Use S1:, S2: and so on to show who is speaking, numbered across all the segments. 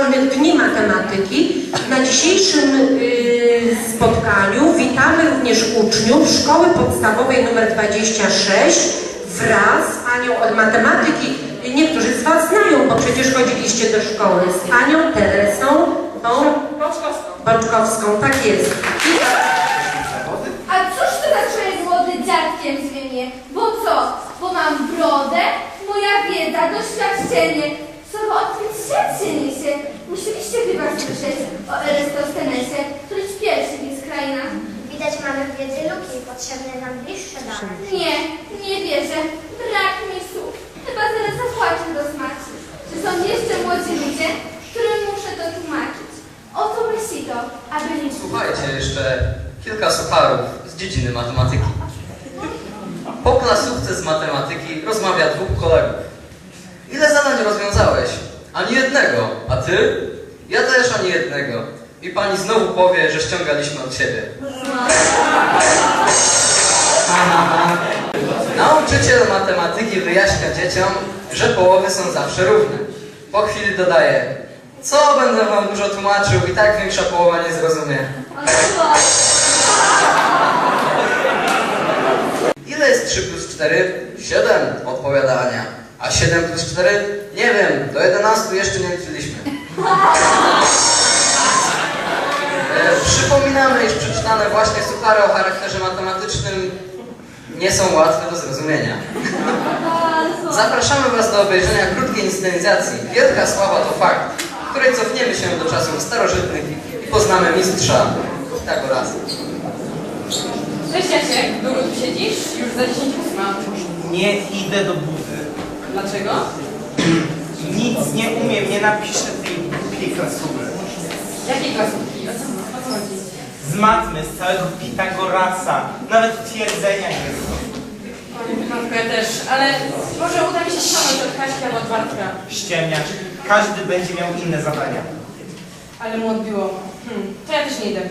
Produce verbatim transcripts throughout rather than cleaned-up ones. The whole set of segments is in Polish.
S1: Dni Matematyki. Na dzisiejszym y, spotkaniu witamy również uczniów Szkoły Podstawowej nr dwadzieścia sześć wraz z panią od matematyki. Niektórzy z was znają, bo przecież chodziliście do szkoły, z panią Teresą
S2: Boczkowską.
S1: Boczkowską, tak jest. I...
S3: A cóż to za człowiek młody dziadkiem zmienię? Bo co? Bo mam brodę, moja wiedza, doświadczenie. Słowo o tym świecie niesie. Musieliście chyba słyszeć o Eratosthenesie, któryś pierwszy jest kraina.
S4: Widać, mamy w wiedzy luki, potrzebne nam bliższe dane.
S3: Nie, nie wierzę. Brak mi słów. Chyba zaraz zapłaczę do smaku. Że są jeszcze młodzi ludzie, którym muszę to tłumaczyć. Oto myśli to, aby nie...
S5: Słuchajcie, jeszcze kilka sucharów z dziedziny matematyki. Po klasówce z matematyki rozmawia dwóch kolegów. Ile zadań rozwiązałeś? Ani jednego. A ty? Ja też ani jednego. I pani znowu powie, że ściągaliśmy od siebie. Nauczyciel matematyki wyjaśnia dzieciom, że połowy są zawsze równe. Po chwili dodaje: co będę wam dużo tłumaczył, i tak większa połowa nie zrozumie. Ile jest trzy plus cztery? siedem, odpowiada Ania. A siedem plus cztery? Nie wiem, do jedenastu jeszcze nie liczyliśmy. E, przypominamy, iż przeczytane właśnie suchary o charakterze matematycznym nie są łatwe do zrozumienia. Zapraszamy was do obejrzenia krótkiej inscenizacji Wielka Sława to fakt, w której cofniemy się do czasów starożytnych i poznamy mistrza Pitagorasa.
S2: Cześć Jasiek, długo tu siedzisz? Już za dziesięć ósma.
S6: Nie idę do budy.
S2: Dlaczego?
S6: Nic nie umiem, nie napiszę tej głupiej klasówki.
S2: Jakiej klasówki? O co, o co chodzi?
S6: Z matmy, z całego Pitagorasa. Nawet twierdzenia nie znam.
S2: Matko, ja też, ale może uda mi się ściągnąć od Kaśki albo od Bartka.
S6: Ściemniacz. Każdy będzie miał inne zadania.
S2: Ale mu odbiło. Hmm, to ja też nie idę.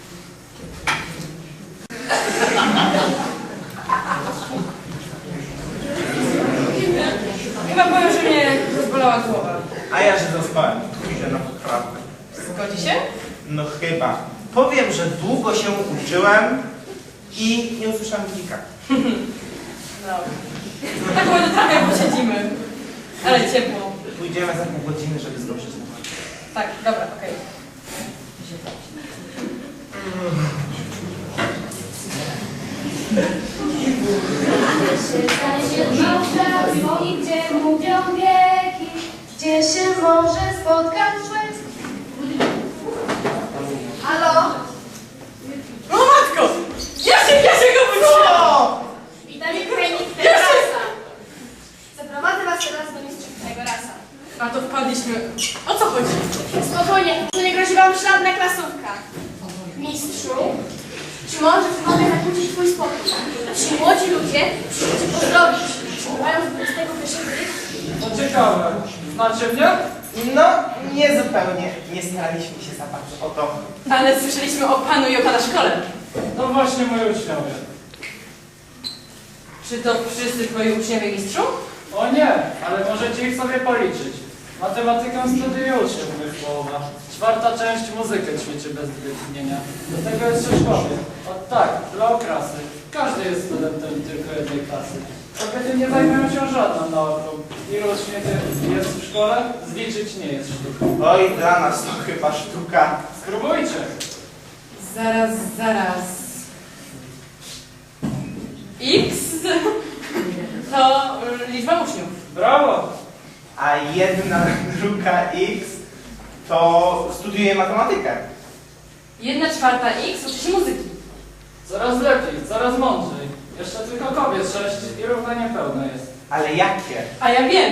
S2: Chyba powiem, że mnie rozbolała głowa.
S6: A ja, że zaspałem. Pójdę na poprawkę.
S2: Zgodzi się?
S6: No chyba. Powiem, że długo się uczyłem i nie usłyszałem dzika.
S2: No. Tak ładnie trochę posiedzimy. Ale ciepło.
S6: Pójdziemy za pół godziny, żeby zdążyć.
S2: Tak, dobra, okej.
S3: I gdzie mówią wieki, gdzie się może spotkać człowiek. Halo?
S2: O matko! Jasiek, Jasiek, obróciła!
S3: Witamy krajnik Pitagorasa. Zaprowadzę was teraz do mistrza Pitagorasa.
S2: A to wpadliśmy. O co chodzi?
S3: Spokojnie, tu nie grozi wam żadna klasówka. Mistrzu, czy możesz mogę zakłócić twój spokój? Ci młodzi ludzie przyszli cię pozdrowić. Mają z dwudziestego pierwszego wieku.
S7: To ciekawe. Znacie mnie?
S6: No, nie zupełnie. Nie staraliśmy się za bardzo o to.
S2: Ale słyszeliśmy o panu i o pana szkole.
S7: To właśnie moi uczniowie.
S2: Czy to wszyscy twoi uczniowie, mistrzu?
S7: O nie, ale możecie ich sobie policzyć. Matematykę studiuje uczniów mych połowa. Czwarta część muzykę ćwiczy bez wytchnienia. Do tego jest szkoły. O tak, dla okrasy. Każdy jest studentem tylko jednej klasy. Kobiety nie zajmują się żadną nauką. Ilu uczniów jest w szkole? Zliczyć nie jest sztuką.
S6: Oj, dla nas to chyba sztuka.
S7: Spróbujcie.
S2: Zaraz, zaraz. X to y, liczba uczniów.
S7: Brawo!
S6: A jedna druga x to studiuje matematykę.
S2: Jedna czwarta X uczy się muzyki.
S7: Coraz lepiej, coraz mądrzej. Jeszcze tylko kobiet sześć i równanie pełne jest.
S6: Ale jakie?
S2: A ja wiem.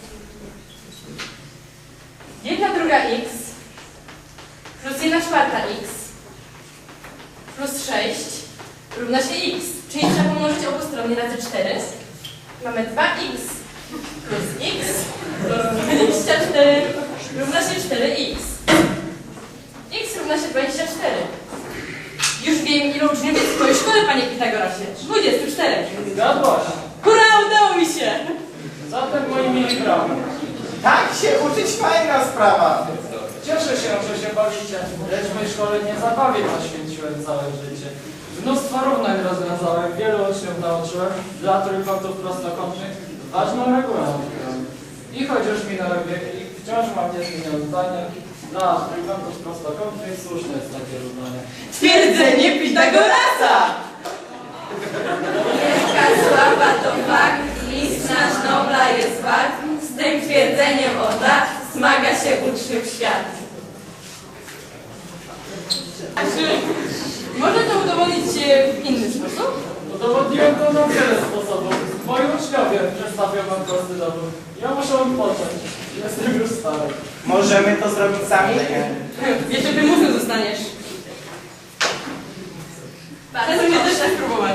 S2: Jedna druga X plus jedna czwarta X plus sześć równa się X. Czyli trzeba pomnożyć obustronnie razy cztery. Mamy dwa X plus X plus dwadzieścia cztery równa się cztery X. X równa się dwadzieścia cztery. Już wiem, ilu uczniów jest w twojej szkole, panie Pitagorasie. dwadzieścia cztery.
S7: Zgadłaś.
S2: Hurra, udało mi się!
S7: Zatem moi mili brawo.
S6: Tak się uczyć fajna sprawa.
S7: Cieszę się, że się bawicie, lecz w mojej szkole nie zabawie poświęciłem całe życie. Mnóstwo równań rozwiązałem, wielu uczniów nauczyłem, dla trójkątów prostokątnych ważną regułę odkryłem. I choć już minęły wieki, wciąż mam niezmienione zdanie, dla trójkątów prostokątnych słuszne jest takie równanie.
S2: Twierdzenie Pitagorasa! Wielka sława to fakt, mistrz nasz Nobla jest wart, z tym twierdzeniem od lat zmaga się uczniów świat. A czy można to udowodnić w inny sposób?
S7: Udowodniłem to na wiele sposobów. Moi uczniowie przedstawią wam prosty dowód. Ja muszę odpocząć. Jestem już stary.
S6: Możemy to zrobić sami?
S2: Jeszcze wymusem zostaniesz. Bardzo mnie też tak próbować.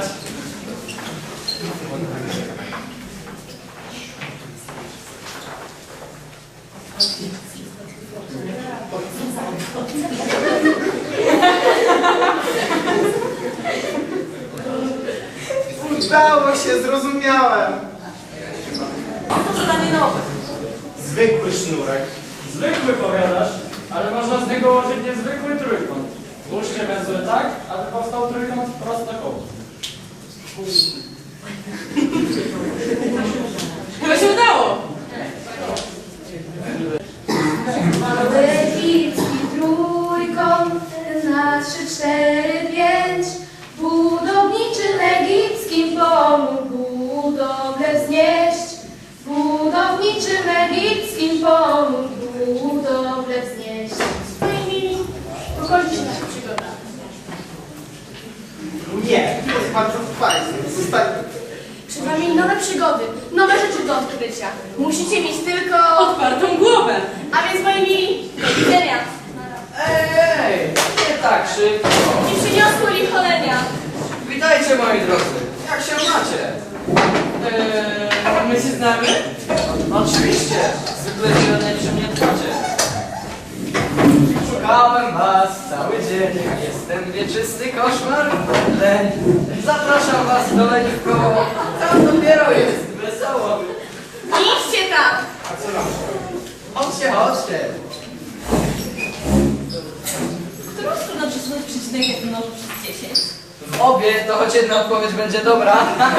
S6: Udało się, zrozumiałem.
S2: To zadanie nowe.
S6: Zwykły sznurek.
S7: Zwykły powiadasz, ale można z niego ułożyć niezwykły trójkąt. Włóżcie węzły tak, aby powstał trójkąt prostokątny.
S2: Chyba się udało.
S3: Egipski trójkąt na trzy, cztery, pięć. Budowniczym egipskim pomógł budowlę wznieść. Budowniczym egipskim pomógł budowlę wznieść.
S8: Moi mili, pokończy się nasza przygoda.
S6: Nie, to jest bardzo fajnie. Zostańmy.
S8: Przed wami nowe przygody, nowe rzeczy do odkrycia. Musicie mieć tylko...
S2: Otwartą głowę.
S8: A więc moi mili, do widzenia.
S5: Ej, nie tak szybko.
S8: I przyniosło licholenia.
S5: Witajcie moi drodzy. Jak się macie?
S2: Eee, my się znamy?
S5: Oczywiście. Zwykle źle przy mnie dbacie. Szukałem was cały dzień. Jestem wieczysty koszmar. Leń. Zapraszam was do leni w koło. Tam dopiero jest wesoło.
S8: Idźcie tam.
S6: A co nam?
S5: Chodźcie, chodźcie.
S2: Którą stronę przesunąć przecinek jak mnoży przez dziesięć?
S5: W obie to choć jedna odpowiedź będzie dobra.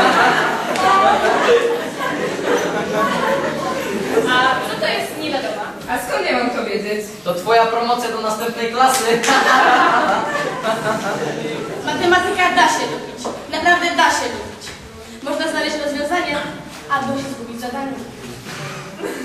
S2: A co to jest nie wiadomo? A skąd ja mam to wiedzieć?
S5: To twoja promocja do następnej klasy.
S8: Matematyka da się lubić. Naprawdę da się lubić. Można znaleźć rozwiązanie, albo się zgubić w zadaniu.